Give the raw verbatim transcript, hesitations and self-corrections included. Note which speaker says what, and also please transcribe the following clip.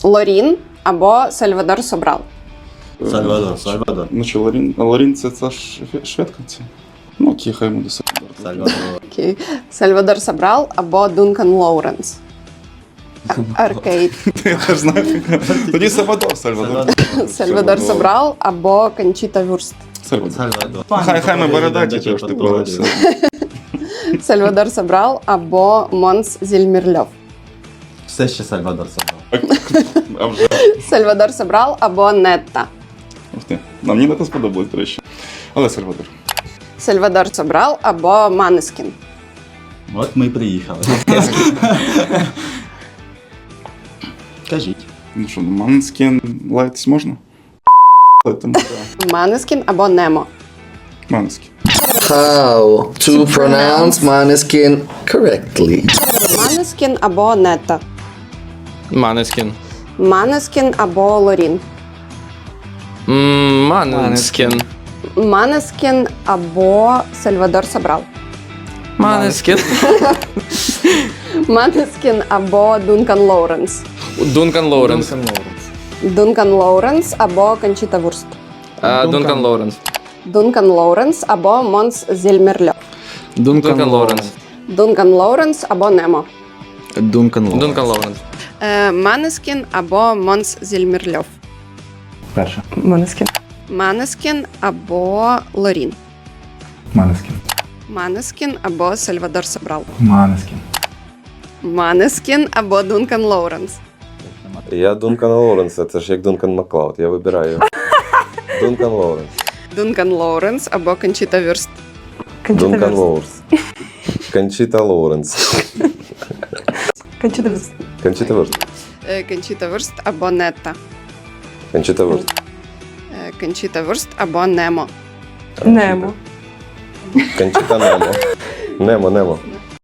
Speaker 1: Лорін або Сальвадор Собрал.
Speaker 2: Сальвадор, Сальвадор.
Speaker 3: Ну що, Лорін, Лорін це, це ж шведка це? Ну окей, хай буде Сальвадор.
Speaker 2: Сальвадор.
Speaker 1: Окей. Сальвадор Собрал або Дункан Лоуренс. Аркейд.
Speaker 3: Я теж знаю. Тоді Сальвадор, Сальвадор.
Speaker 1: Сальвадор Собрал або Кончіта Вюрст.
Speaker 3: Сальвадор.
Speaker 2: Сальвадор.
Speaker 3: Хай, хай ми бородаті,
Speaker 2: Дача
Speaker 3: тож ти
Speaker 2: подходить.
Speaker 1: Сальвадор Собрал або Монс Зільмірльов.
Speaker 2: Все ще Сальвадор Сальвадор.
Speaker 3: А вже.
Speaker 1: Сальвадор Собрал або Нетта.
Speaker 3: Ух ти. Нам мені це сподобалось, до речі. Але Сальвадор.
Speaker 1: Сальвадор Собрал або Манескін.
Speaker 2: От ми і приїхали. Кажіть.
Speaker 3: Ну що, Манскін лаятись можна? Лаятись можна.
Speaker 1: Манескін або Немо.
Speaker 3: Манскін.
Speaker 4: How to pronounce Måneskin correctly?
Speaker 1: Манескін або Нетта.
Speaker 5: Манескін.
Speaker 1: Манескін або Лорін.
Speaker 5: Манескін.
Speaker 1: Манескін або Сальвадор Собрал.
Speaker 5: Манескін.
Speaker 1: Манескін або Дункан Лоуренс.
Speaker 5: Дункан Лоуренс.
Speaker 1: Дункан Лоуренс або Кончіта Вюрст.
Speaker 5: А, Дункан Лоуренс.
Speaker 1: Дункан Лоуренс або Монс Зільмірльов.
Speaker 5: Дункан Лоуренс.
Speaker 1: Дункан Лоуренс або Немо.
Speaker 4: Duncan Lawrence.
Speaker 5: Дункан Лоуренс.
Speaker 1: Е, Манескін або Монс Зільмірльов.
Speaker 6: Перше.
Speaker 1: Манескін. Манескін або Лорін.
Speaker 6: Манескін.
Speaker 1: Манескін або Сальвадор Собрал.
Speaker 6: Манескін.
Speaker 1: Манескін або Дункан Лоуренс.
Speaker 7: Я Дункан Лоуренс, це ж як Дункан Маклауд, я вибираю. Дункан Лоуренс.
Speaker 1: Дункан Лоуренс або Кончіта Вюрст.
Speaker 7: Дункан Лоуренс. Кончіта Лоуренс.
Speaker 1: Кончіта Вюрст.
Speaker 7: Кончіта Вурст.
Speaker 1: Е, Кончіта Вюрст або Нетта.
Speaker 7: Кончіта Вурст.
Speaker 1: Е, Кончіта Вюрст або Немо.
Speaker 7: Немо. Кончіта Немо. Немо, Немо.